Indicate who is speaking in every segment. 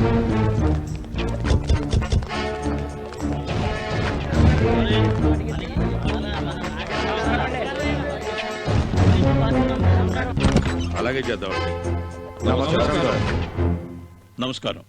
Speaker 1: అలాగే చేద్దాం.
Speaker 2: నమస్కారం.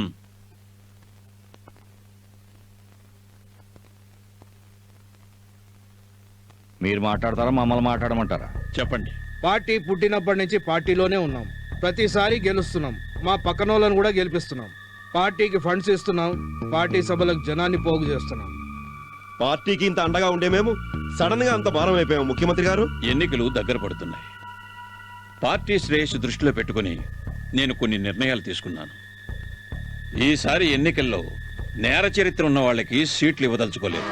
Speaker 3: మీరు మాట్లాడతారా, మమ్మల్ని మాట్లాడమంటారా?
Speaker 2: చెప్పండి.
Speaker 4: పార్టీ పుట్టినప్పటి నుంచి పార్టీలోనే ఉన్నాం. ప్రతిసారి గెలుస్తున్నాం. మా పక్కనోళ్ళను కూడా గెలిపిస్తున్నాం. పార్టీకి ఫండ్స్ ఇస్తున్నాం. పార్టీ సభలకు జనాన్ని పోగు చేస్తున్నాం.
Speaker 1: పార్టీకి ఇంత అండగా ఉండే మేము సడన్ గా అంత భారం అయిపోయాము ముఖ్యమంత్రి గారు.
Speaker 2: ఎన్నికలు దగ్గర పడుతున్నాయి. పార్టీ శ్రేయస్సు దృష్టిలో పెట్టుకుని నేను కొన్ని నిర్ణయాలు తీసుకున్నాను. ఈసారి ఎన్నికల్లో నేర చరిత్ర ఉన్న వాళ్ళకి సీట్లు ఇవ్వదలుచుకోలేదు.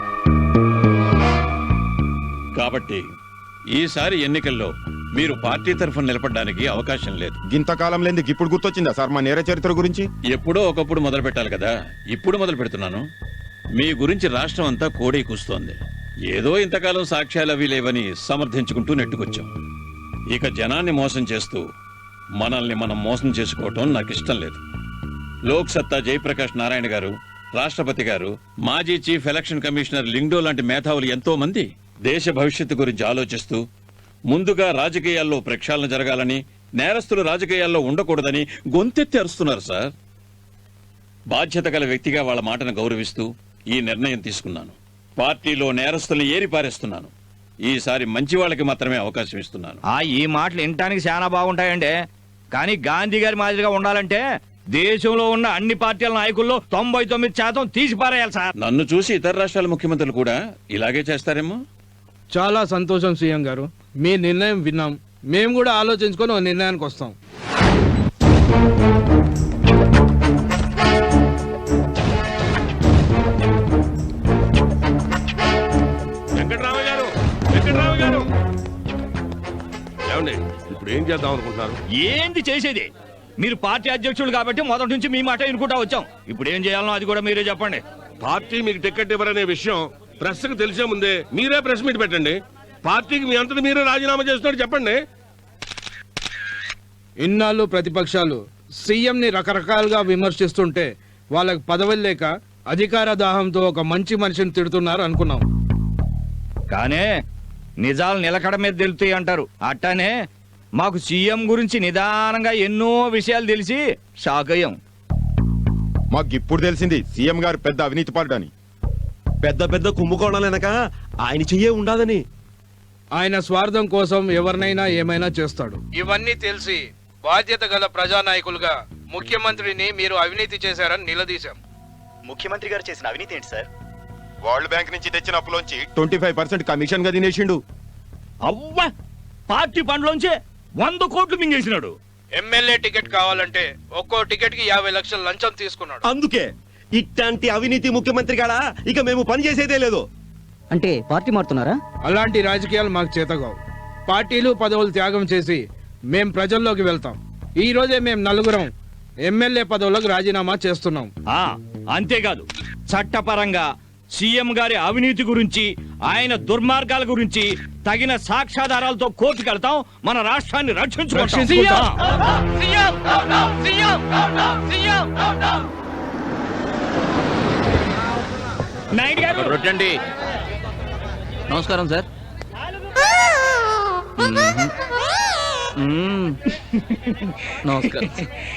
Speaker 2: కాబట్టి ఈసారి ఎన్నికల్లో మీరు పార్టీ తరఫున నిలబడడానికి అవకాశం లేదు.
Speaker 5: ఇంతకాలం లేని ఇప్పుడు గుర్తొచ్చిందా సార్ మా నేర చరిత్ర గురించి?
Speaker 2: ఎప్పుడో ఒకప్పుడు మొదలు పెట్టాలి కదా. ఇప్పుడు మొదలు పెడుతున్నాను. మీ గురించి రాష్ట్రం అంతా కోడై కూస్తోంది. ఏదో ఇంతకాలం సాక్ష్యాలు అవి లేవని సమర్థించుకుంటూ నెట్టుకొచ్చాం. ఇక జనాన్ని మోసం చేస్తూ మనల్ని మనం మోసం చేసుకోవటం నాకు ఇష్టం లేదు. లోక్ సత్తా జయప్రకాష్ నారాయణ గారు, రాష్ట్రపతి గారు, మాజీ చీఫ్ ఎలక్షన్ కమిషనర్ లింగ్డో లాంటి మేధావులు ఎంతో మంది దేశ భవిష్యత్తు గురించి ఆలోచిస్తూ ముందుగా రాజకీయాల్లో ప్రక్షాళన జరగాలని, నేరస్తులు రాజకీయాల్లో ఉండకూడదని గొంతెత్తి అరుస్తున్నారు సార్. బాధ్యత గల వ్యక్తిగా వాళ్ళ మాటను గౌరవిస్తూ ఈ నిర్ణయం తీసుకున్నాను. పార్టీలో నేరస్తుల్ని ఏరిపారేస్తున్నాను. ఈసారి మంచి వాళ్ళకి మాత్రమే అవకాశం ఇస్తున్నాను.
Speaker 3: ఈ మాటలు వినటానికి చాలా బాగుంటాయండి. కానీ గాంధీ గారి మాదిరిగా ఉండాలంటే దేశంలో ఉన్న అన్ని పార్టీల నాయకుల్లో 99% తీసి పారేయాలి సార్.
Speaker 2: నన్ను చూసి ఇతర రాష్ట్రాల ముఖ్యమంత్రులు కూడా ఇలాగే చేస్తారేమో.
Speaker 4: చాలా సంతోషం సీఎం గారు. మీ నిర్ణయం విన్నాం. మేము కూడా ఆలోచించుకొని ఒక నిర్ణయానికి వస్తాం.
Speaker 1: వెంకటరావు గారు ఏమండి, ఇప్పుడు ఏం చేద్దాం అనుకుంటున్నారు?
Speaker 3: ఏంది చేసేది? మీరు పార్టీ అధ్యక్షులు కాబట్టి మొదటి నుంచి మీ మాట వినుకుంటా వచ్చాం. ఇప్పుడు ఏం చేయాలనో అది కూడా మీరే చెప్పండి.
Speaker 1: పార్టీ మీకు టికెట్ ఇవ్వరనే విషయం ప్రెస్ కు తెలిసే ముందే మీరే ప్రెస్ మీట్ పెట్టండి. పార్టీకి మీ అంతటి మీరే రాజీనామా చేస్తున్నట్టు చెప్పండి.
Speaker 4: ఇన్నాళ్ళు ప్రతిపక్షాలు సీఎంని రకరకాలుగా విమర్శిస్తుంటే వాళ్ళకి పదవులు లేక అధికార దాహంతో ఒక మంచి మనిషిని తిడుతున్నారు అనుకున్నాం.
Speaker 3: కానీ నిజాలు నిలకడ మీద తెలుస్తాయి అంటారు. అట్టానే మాకు సీఎం గురించి నిదానంగా ఎన్నో విషయాలు తెలిసి షాక్ అయ్యాం.
Speaker 5: మాకు ఇప్పుడు తెలిసింది సీఎం గారు పెద్ద అవినీతి పరుడని.
Speaker 1: పెద్ద పెద్ద కుంభకోణాలు వెనక ఆయన చెయ్యే ఉండాలని.
Speaker 4: ఆయన స్వార్థం కోసం ఎవరినైనా ఏమైనా చేస్తాడు. ఇవన్నీ తెలిసి బాధ్యత గల ప్రజానాయకులుగా ముఖ్యమంత్రిని మీరు అవినీతి చేశారని నిలదీశాం.
Speaker 6: ముఖ్యమంత్రి గారు చేసిన అవినీతి ఏంటి సార్?
Speaker 5: వరల్డ్ బ్యాంక్ నుంచి తెచ్చిన అప్పులోంచి 25% కమిషన్ గా తినేసిండు.
Speaker 3: అవ్వా, పార్టీ ఫండ్లోంచి 100 కోట్లు మింగేసినాడు.
Speaker 4: ఎమ్మెల్యే టికెట్ కావాలంటే ఒక్కో టికెట్ కి 50 లక్షల లంచం తీసుకున్నాడు.
Speaker 1: అందుకే ఇట్లాంటి అవినీతి ముఖ్యమంత్రి గాడా ఇక మేము పని చేసేదే లేదు.
Speaker 7: అంటే పార్టీ మారుతున్నారా?
Speaker 4: అలాంటి రాజకీయాలు మాకు చేతగావు. పార్టీలు పదవులు త్యాగం చేసి మేం ప్రజల్లోకి వెళ్తాం. ఈ రోజే మేము నలుగురం ఎమ్మెల్యే పదవులకు రాజీనామా చేస్తున్నాం.
Speaker 3: అంతేకాదు, చట్టపరంగా సీఎం గారి అవినీతి గురించి, ఆయన దుర్మార్గాల గురించి తగిన సాక్ష్యాధారాలతో కోర్టుకు వెళ్తాం. మన రాష్ట్రాన్ని రక్షించుకుంటాం.
Speaker 7: నమస్కారం సార్. నమస్కారం.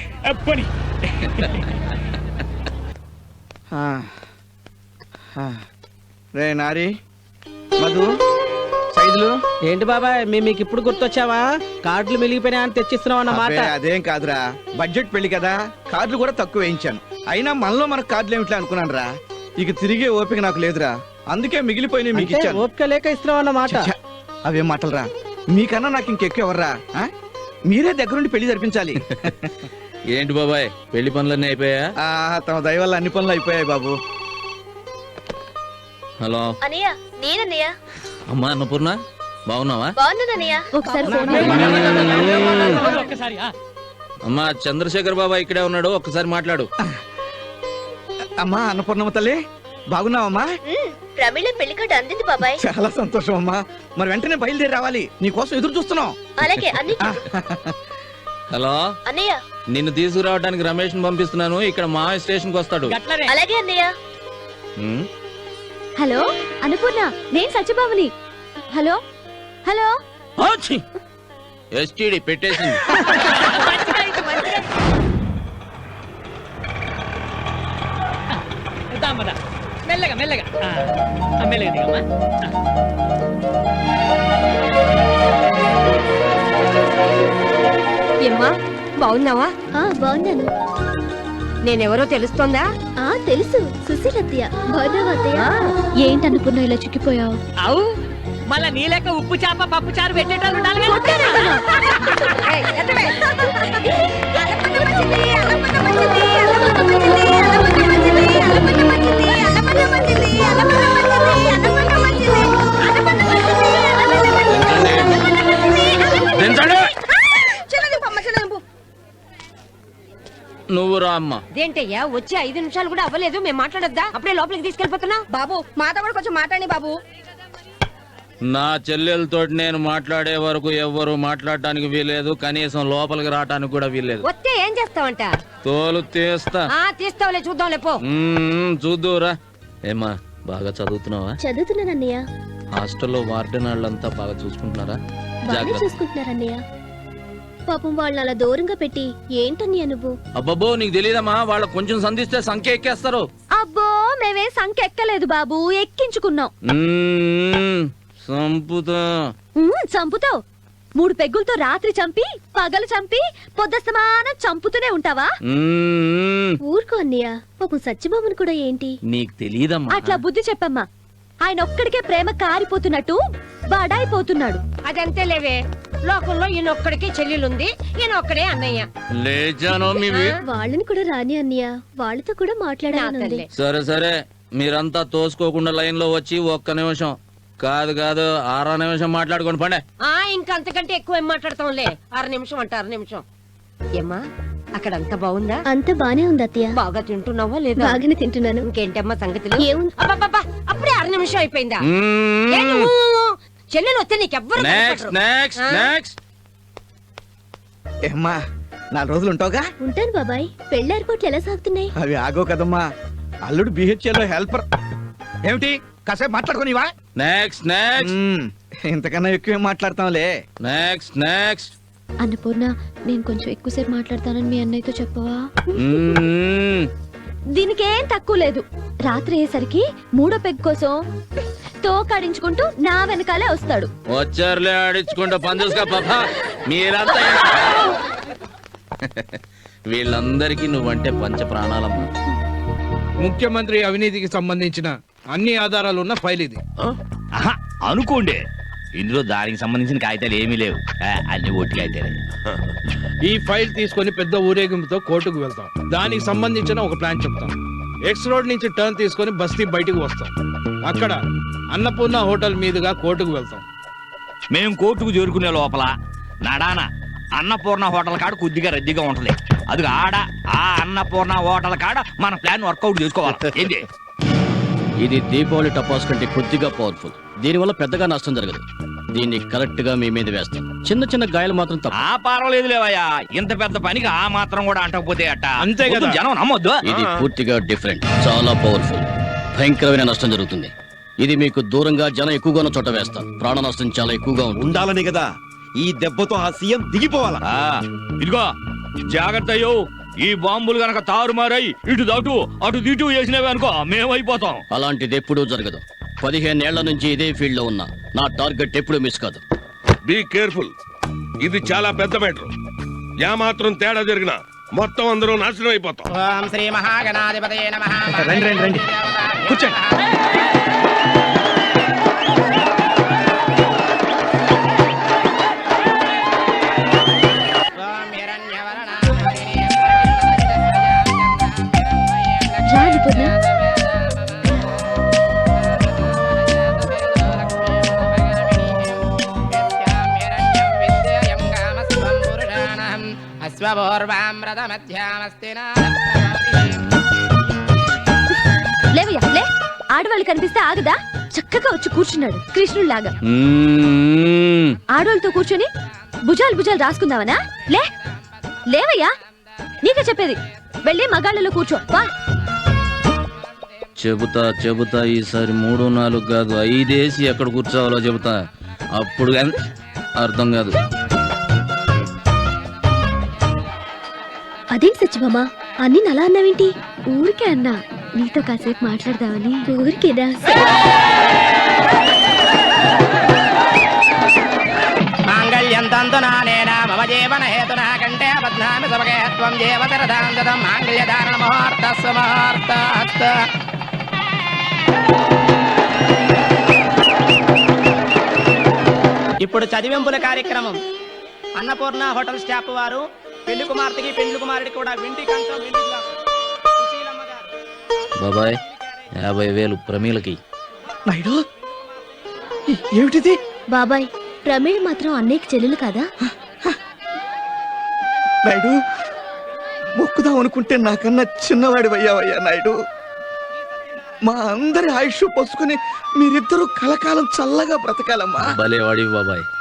Speaker 8: రే నారి, మధు, సైదులు.
Speaker 7: ఏంటి బాబాయ్, మీకు ఇప్పుడు గుర్తొచ్చావా? కార్డులు మిలిగిపోయినా అని తెచ్చిస్తున్నావు అన్నమాట.
Speaker 8: అదేం కాదురా, బడ్జెట్ పెళ్లి కదా, కార్డులు కూడా తక్కువ వేయించాను. అయినా మనలో మనకు కార్డులు ఏమిట్లా అనుకున్నాను రా. ఇక తిరిగే ఓపిక నాకు లేదురా, అందుకే మిగిలిపోయిన మీకు ఇచ్చాను.
Speaker 7: ఓపిక లేక ఇస్తున్నావు అన్నమాట.
Speaker 8: అవేం మాటలరా, మీకన్నా నాకు ఇంకెక్కువ ఎవర్రా? మీరే దగ్గరుండి పెళ్లి జరిపించాలి.
Speaker 7: ఏంటి బాబాయ్, పెళ్లి పనులన్నీ అయిపోయా?
Speaker 8: తమ దయ వల్ల అన్ని పనులు అయిపోయాయి బాబు.
Speaker 7: హలో
Speaker 9: అన్నయ్య, నేనన్నయ్య.
Speaker 7: అమ్మా అన్నపూర్ణ, బాగున్నావా?
Speaker 9: బాగున్నానన్నయ్య. ఒకసారి ఫోన్
Speaker 7: అమ్మా చంద్రశేఖర్ బాబా ఇక్కడే ఉన్నాడు, ఒక్కసారి మాట్లాడు.
Speaker 8: అమ్మా అన్నపూర్ణమ్మ తల్లి, బాగున్నావమ్మా?
Speaker 9: ప్రమీల పెళ్లి కార్డు అందింది బాబాయ్.
Speaker 8: చాలా సంతోషం అమ్మా. మరి వెంటనే బయలుదేరి రావాలి, నీకోసం ఎదురు చూస్తున్నాం.
Speaker 9: అలాగే అన్ని
Speaker 3: హలో,
Speaker 9: అన్నయ్య
Speaker 3: నిన్ను తీసుకురావడానికి రమేష్ పంపిస్తున్నాను. ఇక్కడ మా స్టేషన్ కి వస్తాడు.
Speaker 9: అలాగే అన్నయ్య.
Speaker 3: ఉమ్,
Speaker 9: హలో అన్నపూర్ణ, నేను సత్యభామని. Hello hello.
Speaker 3: ఆచి! STD పెట్టేసింది.
Speaker 7: మెల్లగా మెల్లగా మెల్లగా దిగమ్మా.
Speaker 9: ఏమ్మా బాగున్నావా? బాగున్నాను. నేనెవరో తెలుస్తోందా? తెలుసు, సుశీలత్తయ్య. బాగున్నావా అత్తయ్య? ఏంటనుకున్నా ఇలా చిక్కిపోయావు?
Speaker 7: అవు మళ్ళా నీ లెక్క ఉప్పు చేప పప్పు చారు పెట్టేటాలు ఉండాలి కదా.
Speaker 3: నువ్వు రా అమ్మ.
Speaker 9: దేంటయ్యా వచ్చి 5 నిమిషాలు కూడా అవ్వలేదు, మేము మాట్లాడొద్దా? అప్పుడే లోపలికి తీసుకెళ్ళిపోతున్నా. బాబు మాతో కూడా కొంచెం మాట్లాడి బాబు.
Speaker 3: నా చెల్లెలతో నేను మాట్లాడే వరకు ఎవ్వరు మాట్లాడటానికి వీలేదు, కనీసం లోపలికి రావటానికి కూడా వీలేదు.
Speaker 9: వస్తే ఏం చేస్తావంట?
Speaker 3: తోలు తీస్తా.
Speaker 9: తీస్తావులే, చూద్దాంలే పో.
Speaker 3: చూద్దురా. ఏమ్మా బాగా చదువుతున్నావా?
Speaker 9: చదువుతున్నానన్నయ్య.
Speaker 3: హాస్టల్లో వార్డెన్ వాళ్ళంతా బాగా చూసుకుంటున్నారా? జాగ్రత్త.
Speaker 9: చూసుకుంటున్నారన్నయ్య. పాపం వాళ్ళని అలా దూరంగా పెట్టి ఏంటన్నయ్య నువ్వు?
Speaker 3: అబ్బబ్బో నీకు తెలియదమ్మా, వాళ్ళ కొంచెం సంధిస్తే సంఖ్య ఎక్కేస్తారు.
Speaker 9: అబ్బో మేమే సంఖ్య ఎక్కలేదు బాబు, ఎక్కించుకున్నాం.
Speaker 3: సంపుతా.
Speaker 9: చంపుతావు. 3 పెగ్గులతో రాత్రి చంపి పగలు చంపి పొద్దస్తమానం చంపుతూనే ఉంటావా? ఊరుకో అన్నయ్య, పాపం సత్యభామను కూడా ఏంటి
Speaker 3: నీకు తెలియదమ్మా.
Speaker 9: అట్లా బుద్ధి చెప్పమ్మా. ఆయన ఒక్కడికే ప్రేమ కారిపోతున్నట్టు బాడాయిపోతున్నాడు. అదంతే లేవే, లోకంలో ఈయనొక్కడికే చెల్లెలుంది, ఈయనొక్కడే అన్నయ్య.
Speaker 3: లేచాను
Speaker 9: వాళ్ళని కూడా రాని అన్నయ్య, వాళ్ళతో కూడా మాట్లాడాలి.
Speaker 3: సరే సరే, మీరంతా తోసుకోకుండా లైన్ లో వచ్చి 1 నిమిషం కాదు 6 నిమిషం మాట్లాడుకోండి పండే.
Speaker 9: ఇంకంతకంటే ఎక్కువ ఏం మాట్లాడతాంలే. 6 నిమిషం అంటే 6 నిమిషం. ఏమ్మా అక్కడ అంత బాగుందా? అంత బానే ఉంది అత్తయ్య. బాగా తింటున్నావా లేదా? బాగానే తింటున్నాను. ఇంకేంటమ్మా సంగతులు? అప్పుడే 6 నిమిషం అయిపోయిందా? చెల్లెలు వస్తే నీకెవ్వరు.
Speaker 3: Next next next.
Speaker 8: ఏమ్మా 4 రోజులు ఉంటావుగా?
Speaker 9: ఉంటాను బాబాయ్. పెళ్లి ఏర్పాట్లు ఎలా సాగుతున్నాయి?
Speaker 8: అవి ఆగో కదమ్మా. అల్లుడు బిహెచ్ఎల్ లో హెల్పర్. ఏమిటి కాసేపు మాట్లాడుకోనివా?
Speaker 3: Next next.
Speaker 8: ఇంతకన్నా ఎక్కువ మాట్లాడతాంలే.
Speaker 3: Next next.
Speaker 9: అన్నపూర్ణ, నేను కొంచెం ఎక్కువసేపు మాట్లాడతానని మీ అన్నయ్యతో చెప్పవా? దీనికేం తక్కువ లేదు. రాత్రి అయ్యేసరికి 3వ పెగ్ కోసం తోకాడించుకుంటూ నా వెనకాలే వస్తాడు.
Speaker 3: వచ్చారులే ఆడించుకుంటా పని చూసుకో పాప. మీరంతా వీళ్ళందరికీ నువ్వంటే పంచ ప్రాణాలమ్మా.
Speaker 4: ముఖ్యమంత్రి అవినీతికి సంబంధించిన అన్ని ఆధారాలు ఉన్న ఫైల్ ఇది.
Speaker 3: అనుకోండి, ఇందులో దానికి సంబంధించిన కాగితాలు ఏమీ లేవు, అన్ని ఓటు కాగితాలే.
Speaker 4: ఈ ఫైల్ తీసుకొని పెద్ద ఊరేగింపుతో కోర్టుకు వెళ్తాం. దానికి సంబంధించిన ఒక ప్లాన్ చెప్తాం. ఎక్స్ రోడ్ నుంచి టర్న్ తీసుకొని బస్తీ బయటకు వస్తాం. అక్కడ అన్నపూర్ణ హోటల్ మీదుగా కోర్టుకు వెళ్తాం.
Speaker 3: మేము కోర్టుకు చేరుకునే లోపల నడాన అన్నపూర్ణ హోటల్ కాడ కొద్దిగా రద్దీగా ఉంటది. అది ఆడ ఆ అన్నపూర్ణ హోటల్ కాడ మన ప్లాన్ వర్కౌట్ చేసుకోవాలి. ఏంటి ఇది? దీపావళి టపాస్ కంటే కొద్దిగా పవర్ఫుల్. దీనివల్ల పెద్దగా నష్టం జరగదు. దీన్ని కరెక్ట్ గా మీ మీద వేస్తాం. చిన్న చిన్న గాయాలు మాత్రం తప్ప. పర్వాలేదు లేవయ్యా, ఇంత పెద్ద పనికి ఆ మాత్రం కూడా అంటకపోతే అట్ట. అంతే కదా, జనం నమ్మొద్దు. ఇది పూర్తిగా డిఫరెంట్, చాలా పవర్ఫుల్. భయంకరమైన నష్టం జరుగుతుంది. ఇది మీకు దూరంగా జనం ఎక్కువగా ఉన్న చోట వేస్తాం. ప్రాణ నష్టం చాలా ఎక్కువగా
Speaker 5: ఉండాలని కదా ఈ దెబ్బతో ఆ సీఎం దిగిపోవాలా?
Speaker 3: ఇదిగో జాగ్రత్త అయ్యో, ఈ బాంబులు గనక తారుమారై ఇటు దాటు అటు దిటు వేసినవి అనుకో మేమైపోతాం. అలాంటిది ఎప్పుడూ జరగదు. 15 ఏళ్ల నుంచి ఇదే ఫీల్డ్ లో ఉన్నా. నా టార్గెట్ ఎప్పుడు మిస్ కాదు.
Speaker 1: Be careful. ఇది చాలా పెద్ద మ్యాటర్. యా మాత్రం తేడా జరిగినా మొత్తం అందరూ నాశనం అయిపోతాం.
Speaker 7: శ్రీ మహాగణాధిపతయే నమః.
Speaker 8: రండి రండి రండి, కూర్చోండి.
Speaker 9: లేవయ్యా లే. ఆడవాళ్ళు కనిపిస్తే ఆగదా? చక్కగా వచ్చి కూర్చున్నాడు కృష్ణుడిలాగా. ఆడవాళ్ళతో కూర్చొని భుజాలు భుజాలు రాసుకుందామనా? లే.
Speaker 10: లేవయ్యా, నీకే చెప్పేది. వెళ్ళి మగాళ్ళలో కూర్చో. వా.
Speaker 3: చెబుతా ఈసారి 3, 4 కాదు 5 వేసి ఎక్కడ కూర్చోవాలో చెబుతా. అప్పుడు అర్థం కాదు.
Speaker 10: అదేంటి సత్యమామ, అన్ని అలా అన్నావేంటి? ఊరికే అన్నా, నీతో కాసేపు మాట్లాడదామని. ఊరికేదా?
Speaker 7: మాంగళ్యం తంతునానేన మమ జీవన హేతునా కంటే బధ్నామి సభకే త్వం జీవతరదాంతరం మాంగళ్యధారణ ముహూర్తస్సు ముహూర్తాస్త్. ఇప్పుడు చదివింపుల కార్యక్రమం. అన్నపూర్ణ హోటల్ స్టాఫ్ వారు పెళ్లి కుమార్తెకి పెళ్లి కుమారుడికి కూడా వెండి కంచం, వెండి గ్లాసు. సుశీలమ్మ గారు.
Speaker 3: బాబాయ్ 50,000 ప్రమీలకి.
Speaker 8: నాయుడు, ఏమిటిది?
Speaker 10: బాబాయ్, ప్రమీళ మాత్రం అన్నయ్యకి చెల్లెలు కదా?
Speaker 8: నాయుడు, మొక్కుదాం అనుకుంటే నాకన్నా చిన్నవాడి అయ్యావయ్యా నాయుడు. మా అందరి ఆయుష్ పోసుకుని మీరిద్దరూ కలకాలం చల్లగా బ్రతకాలమ్మా.
Speaker 3: భలే వాడివి బాబాయ్.